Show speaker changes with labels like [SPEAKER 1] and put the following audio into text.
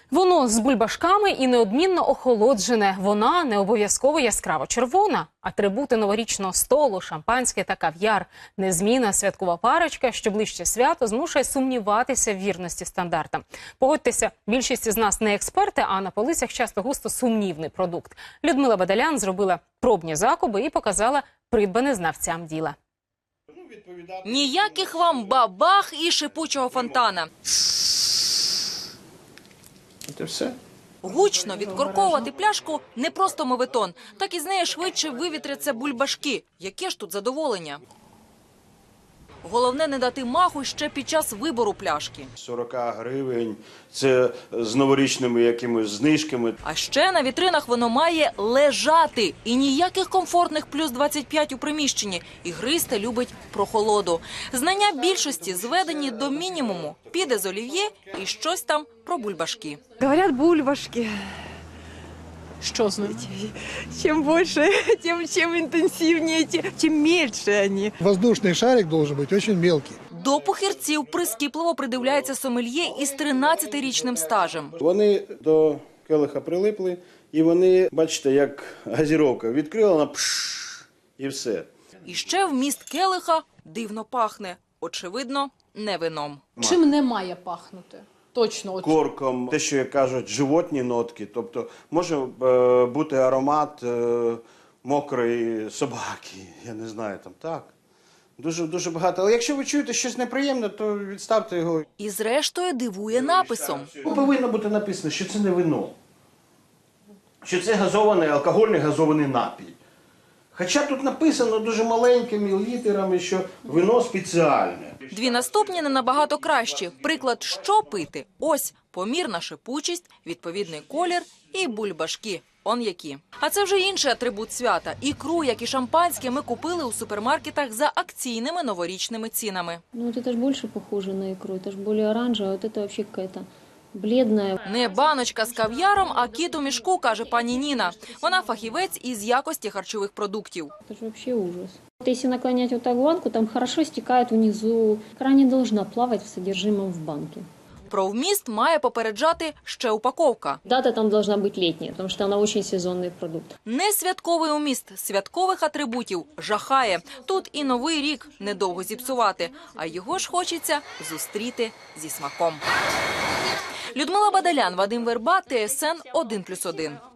[SPEAKER 1] Воно з бульбашками і неодмінно охолоджене. Вона не обов'язково яскраво червона. Атрибути новорічного столу, шампанське та кав'яр. Незмінна святкова парочка, що ближче свято, змушує сумніватися в вірності стандартам. Погодьтеся, більшість із нас не експерти, а на полицях часто густо сумнівний продукт. Людмила Бадалян зробила пробні закуби і показала придбане знавцям діла.
[SPEAKER 2] Ніяких вам бабах і шипучого фонтана.
[SPEAKER 3] Це все.
[SPEAKER 2] Гучно відкорковувати пляшку – не просто моветон. Так із неї швидше вивітряться бульбашки. Яке ж тут задоволення? Головне не дати маху ще під час вибору пляшки.
[SPEAKER 3] 40 гривень, це з новорічними якимось знижками.
[SPEAKER 2] А ще на вітринах воно має лежати. І ніяких комфортних плюс 25 у приміщенні. Ігристе любить прохолоду. Знання більшості зведені до мінімуму. Піде з олів'є і щось там про бульбашки.
[SPEAKER 4] Говорят, бульбашки.
[SPEAKER 1] Що з ним?
[SPEAKER 4] Чем больше, чем интенсивнее, тем мельче они.
[SPEAKER 5] Воздушный шарик должен быть очень мелкий.
[SPEAKER 2] До похирців прискіпливо придивляється сомельє із 13-річним стажем.
[SPEAKER 3] Вони до келиха прилипли, і вони, бачите, як газіровка. Відкрила, вона пшш, і все.
[SPEAKER 2] І ще вміст келиха дивно пахне. Очевидно, не вином.
[SPEAKER 1] Чим не має пахнути? Точно.
[SPEAKER 3] Корком, те, що, як кажуть, животні нотки. Тобто може бути аромат мокрої собаки, я не знаю, там так. Дуже багато. Але якщо ви чуєте щось неприємне, то відставте його.
[SPEAKER 2] І зрештою дивує написом.
[SPEAKER 3] Повинно бути написано, що це не вино. Що це газований, алкогольний газований напій. Хоча тут написано дуже маленькими літерами, що вино спеціальне.
[SPEAKER 2] Дві наступні не набагато кращі. Приклад, що пити. Ось помірна шипучість, відповідний колір і бульбашки. Он які. А це вже інший атрибут свята. Ікру, як і шампанське, ми купили у супермаркетах за акційними новорічними цінами.
[SPEAKER 6] Ну вот это ж больше похоже на икру, это ж более оранжевая, вот это вообще какая-то бледная.
[SPEAKER 2] Не баночка з кав'яром, а кіт у мішку, каже пані Ніна. Вона фахівець із якості харчових продуктів.
[SPEAKER 6] Это же вообще ужас. Вот если наклонять вот так банку, там хорошо стекает внизу. Икра не должна плавать в содержимом в банке.
[SPEAKER 2] Про вміст має попереджати ще упаковка.
[SPEAKER 6] Дата там должна быть летняя, потому что она очень сезонный продукт.
[SPEAKER 2] Не святковий уміст святкових атрибутів жахає. Тут і новий рік недовго зіпсувати, а його ж хочеться зустріти зі смаком. Людмила Бадалян, Вадим Верба, ТСН 1+1.